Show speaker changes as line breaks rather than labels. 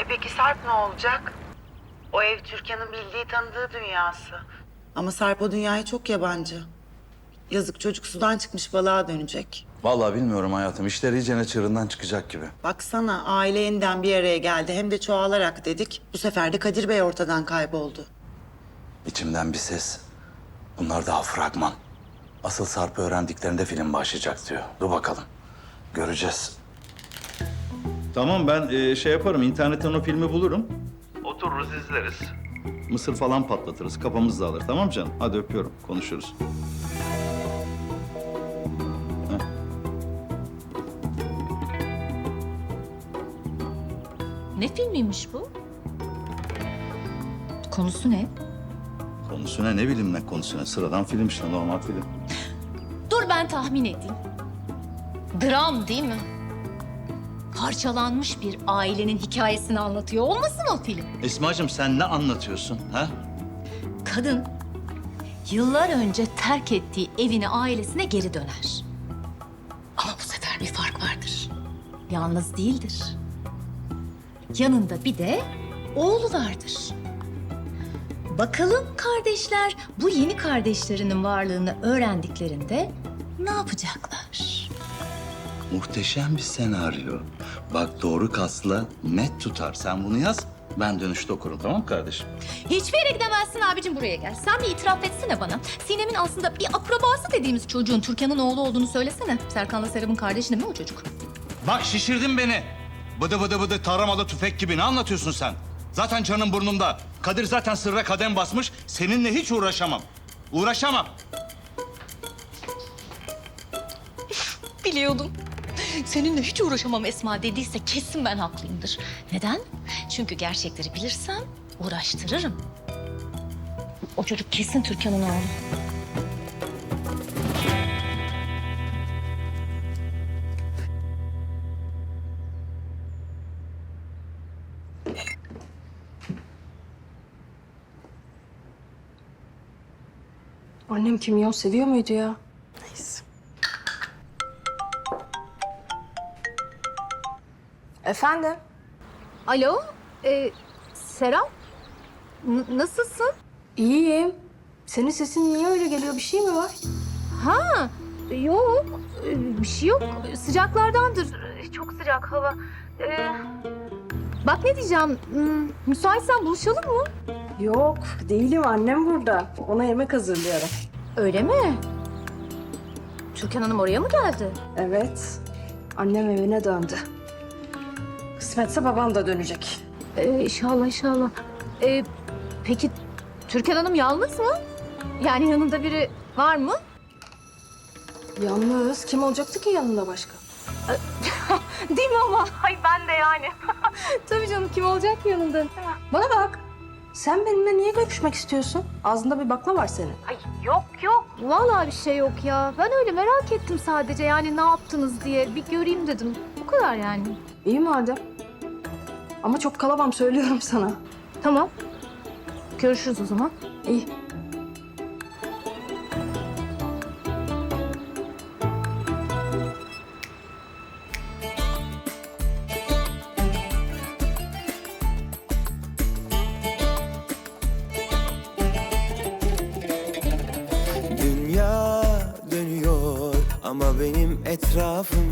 Peki Sarp ne olacak? O ev Türkan'ın bildiği tanıdığı dünyası. Ama Sarp o dünyaya çok yabancı. Yazık çocuk sudan çıkmış balığa dönecek.
Vallahi bilmiyorum hayatım. İşler iyicene çığırından çıkacak gibi.
Baksana aile yeniden bir araya geldi. Hem de çoğalarak dedik. Bu sefer de Kadir Bey ortadan kayboldu.
İçimden bir ses. Bunlar daha fragman. Asıl Sarp'ı öğrendiklerinde film başlayacak diyor. Dur bakalım. Göreceğiz.
Tamam ben şey yaparım, internetten o filmi bulurum. Otururuz izleriz. Mısır falan patlatırız, kafamız dağılır. Tamam canım? Hadi öpüyorum, konuşuruz.
Ne filmiymiş bu? Konusu ne?
Konusuna ne bileyim ne konusuna. Sıradan film işte, normal film.
Dur ben tahmin edeyim. Dram değil mi? Parçalanmış bir ailenin hikayesini anlatıyor olmasın o film?
Esma'cığım sen ne anlatıyorsun ha?
Kadın yıllar önce terk ettiği evine, ailesine geri döner. Ama bu sefer bir fark vardır. Yalnız değildir. Yanında bir de oğlu vardır. Bakalım kardeşler bu yeni kardeşlerinin varlığını öğrendiklerinde ne yapacaklar?
Muhteşem bir senaryo. Bak doğru kasla net tutar. Sen bunu yaz, ben dönüşte okurum tamam mı kardeşim?
Hiçbir yere gidemezsin abicim, buraya gel. Sen bir itiraf etsene bana. Sinem'in aslında bir akrabası dediğimiz çocuğun Türkan'ın oğlu olduğunu söylesene. Serkan'la Serap'ın kardeşi değil mi o çocuk?
Bak şişirdin beni. Bıdı bıdı bıdı taramalı tüfek gibi ne anlatıyorsun sen? Zaten canım burnumda. Kadir zaten sırra kadem basmış. Seninle hiç uğraşamam. Uğraşamam.
Biliyordum. Seninle hiç uğraşamam Esma dediyse kesin ben haklıyımdır. Neden? Çünkü gerçekleri bilirsem uğraştırırım. O çocuk kesin Türkan'ın oğlu.
Annem kimyon seviyor muydu ya? Neyse. Efendim?
Alo, Serap? Nasılsın?
İyiyim. Senin sesin niye öyle geliyor? Bir şey mi var?
Ha, yok. Bir şey yok. Sıcaklardandır. Çok sıcak hava. Bak ne diyeceğim. Müsaitsen buluşalım mı?
Yok, değilim. Annem burada. Ona yemek hazırlıyorum.
Öyle mi? Türkan Hanım oraya mı geldi?
Evet. Annem evine döndü. Kısmetse babam da dönecek.
İnşallah, inşallah. Peki Türkan Hanım yalnız mı? Yani yanında biri var mı?
Yalnız kim olacaktı ki yanında başka?
Değil mi ama? Ay ben de yani. Tabii canım, kim olacak ki yanında?
Bana bak. Sen benimle niye görüşmek istiyorsun? Ağzında bir bakla var senin.
Ay yok. Vallahi bir şey yok ya. Ben öyle merak ettim sadece, yani ne yaptınız diye. Bir göreyim dedim. Bu kadar yani.
İyi madem. Ama çok kalamam söylüyorum sana.
Tamam. Görüşürüz o zaman.
İyi.
Dünya dönüyor ama benim etrafım